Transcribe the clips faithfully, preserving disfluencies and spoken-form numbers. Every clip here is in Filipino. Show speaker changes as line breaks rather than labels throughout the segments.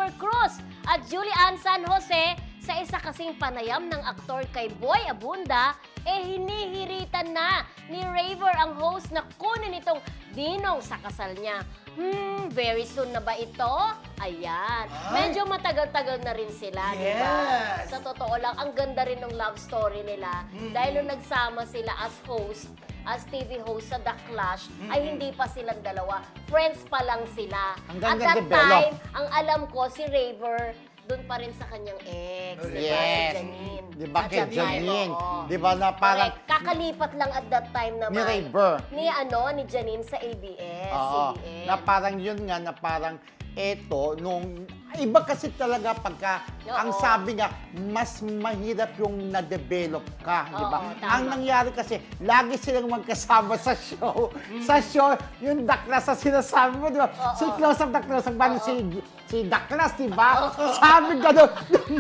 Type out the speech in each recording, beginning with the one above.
Raver Cruz at Julian San Jose sa isa kasing panayam ng aktor kay Boy Abunda, eh hinihiritan na ni Raver ang host na kunin itong dinong sa kasal niya. Hmm, very soon na ba ito? Ayan.
Ay.
Medyo matagal-tagal na rin sila, di ba?
Yes.
Sa totoo lang, ang ganda rin ng love story nila.
Mm-hmm.
Dahil nung nagsama sila as host, as T V host sa The Clash,
Mm-hmm.
ay hindi pa silang dalawa. Friends pa lang sila.
Hanggang
At that
na-develop.
time, ang alam ko, si Raver, doon pa rin sa kanyang ex, di ba? Si
Yes.
Janine.
Di ba
At
kay
that time,
Janine?
oo.
Di ba na parang
Correct. Kakalipat lang at that time naman.
ni Raver.
Ni ano, ni Janine sa A B S,
Oo,
C B N.
na parang yun nga, na parang eto, nung, iba kasi talaga pagka,
Oo.
ang sabi nga, mas mahirap yung na-develop ka, di ba?
Oo, tama.
Ang nangyari kasi, lagi silang magkasama sa show. Sa show, yung daklas na sinasabi mo, di ba?
Oo.
Si Close Up, the Close Up, bali si, si daklas, di ba? Sabi gano'n.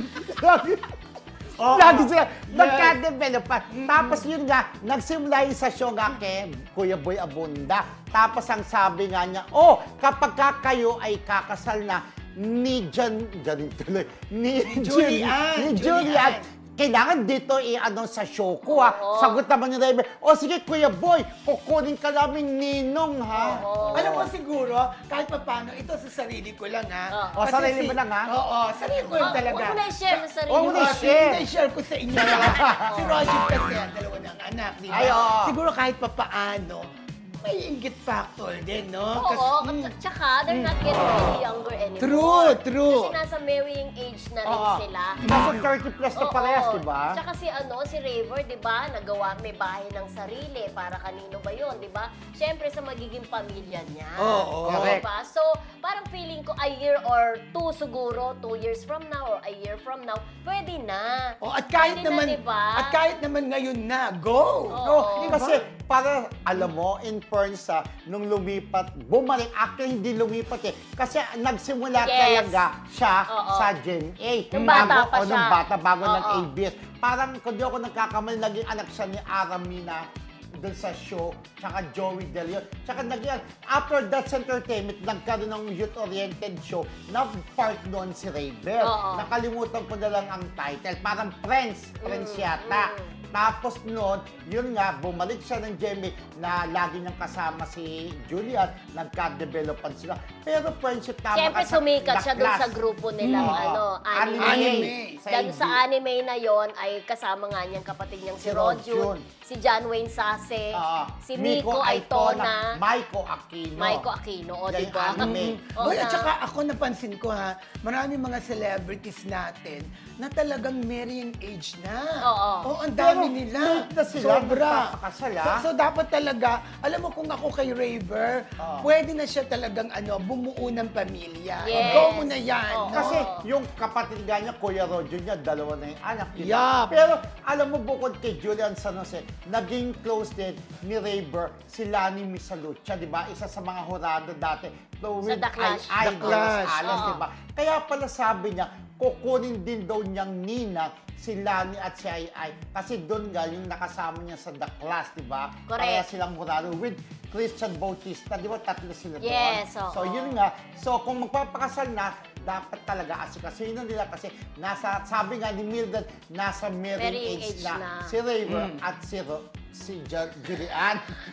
Oo.
Lagi sila
Yes.
nagka-develop pa. Tapos yun nga, nagsimula yun sa show nga kay Kuya Boy Abunda. Tapos ang sabi nga niya, oh, kapag ka kayo ay kakasal na ni Jan, Janine tuloy, ni, Jul-
Julian,
ni
Julian.
Julian, kailangan dito i-ano sa show ko ha.
Oo.
Sagot naman ni Raven, oh sige Kuya Boy, kukunin ka namin ninong ha.
Oo.
Alam mo siguro, kahit pa paano, ito sa sarili ko lang ha.
Oo.
O,
Kasi
sarili
si-
mo lang, ha?
Oo, sarili ko lang
Oh,
talaga.
huwag mo na i-share sa sarili
Huwag
mo.
mo na
Oh,
i-share.
sige, i-share ko sa inyo. Si Roger kasi, ang dalawa ng anak, di ba?
Ay, oo.
Siguro kahit pa paano, may inggit factor din, no?
Oo,
Kasi-
at tsaka they're not getting any younger anymore.
True, true.
Kasi nasa marrying age na rin
Oo.
sila.
Nasa thirty plus na
Oo.
parehas, di ba?
Tsaka si ano, si Raver, di ba, nagawa, may bahay ng sarili. Para kanino ba yun, di ba? Siyempre sa magiging pamilya niya.
Oo,
Di
correct.
ba? So, parang feeling ko a year or two siguro, two years from now or a year from now, pwede na.
Oh, at kahit
Pwede
naman,
na, di ba?
at kahit naman ngayon na, go!
Oo.
No,
Oo.
kasi para, alam mo, in fairness sa nung lumipat, bumalik, actually hindi lumipat eh. Kasi nagsimula
Yes.
talaga siya
Oo.
sa Gen A.
Nung bata
Bago-
pa
o, nung
siya.
bata, bago
Oo.
ng A B S. Parang, kung di ako nagkakamali, naging anak siya ni Aramina doon sa show, tsaka Joey De Leon. Tsaka naging, after That's Entertainment, nagkaroon ng youth-oriented show na part noon si Raver.
Oo.
Nakalimutan ko na lang ang title. Parang Friends, Friends
Mm,
yata.
mm.
Tapos noon, yun nga, bumalik siya ng Jemmy na lagi niyang kasama si Julian, nagka-developan sila. Pero friendship tama
Siyempre
ka sa
sumikat siya doon
Daklas.
sa grupo nilang
Oo.
ano, anime.
Anime.
Sa
Dahil
A B.
sa anime na yon ay kasama nga niyang kapatid niyang si
Si
Rojun,
Rojun.
si John Wayne Sase,
Oo.
si Miko Aitona,
Maiko Aquino.
Maiko Aquino, o
Yan
di ba?
yung anime.
Oo
Boy, at
na.
saka ako napansin ko ha, maraming mga celebrities natin na talagang marrying age na.
Oo.
Oo, ang dami
Pero
nila.
late na sila,
Sobra.
nagpapakasal,
So,
ah.
so, dapat talaga, alam mo kung ako kay Raver,
Oo.
pwede na siya talagang ano, bumuo ng pamilya.
Yes.
Go mo na yan.
Oo.
no?
Kasi yung kapatid nga niya, Kuya Roger niya, dalawa na yung anak niya.
Yup.
Pero alam mo, bukod kay Julian San Jose, naging close din ni Raver si Lani Misalucha, di ba? Isa sa mga hurado dati. So,
Sa The Clash.
Ay,
The Clash.
Alas,
Oo.
di ba? Kaya pala sabi niya, kukunin din daw niyang nina si Lani at si Ai Ai. Kasi doon nga yung nakasama niya sa The Clash, di ba?
Correct.
Kaya silang hurado with Christian Bautista, di ba? Tatlo sila doon.
Yes, oo.
So, yun nga. So, kung magpapakasal na, dapat talaga asikasuhin nila kasi nasa, sabi nga ni Mildred, nasa marrying
Marrying
age,
age
na,
na.
si Raver at si, Ro, si Ju- Julian.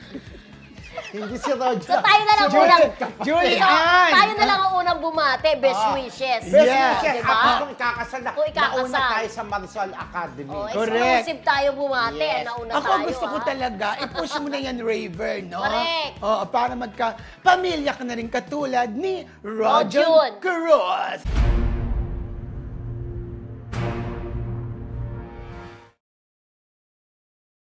Hindi si Roger.
So tayo na lang
si
unang,
kapatid.
Julian!
so, tayo na lang ang unang bumate, best
Ah.
wishes.
Best
Yeah.
wishes.
Diba?
At kung ikakasal na,
Kung ikakasal.
nauna tayo sa Marisol Academy.
Oh,
Correct.
exclusive tayo bumate,
Yes.
nauna
Ako
tayo.
gusto ko
ah.
talaga, i-push mo na yan, Raver, no?
Correct.
Oo, para magka-pamilya ka na rin katulad ni
Rojun.
Roger Cruz.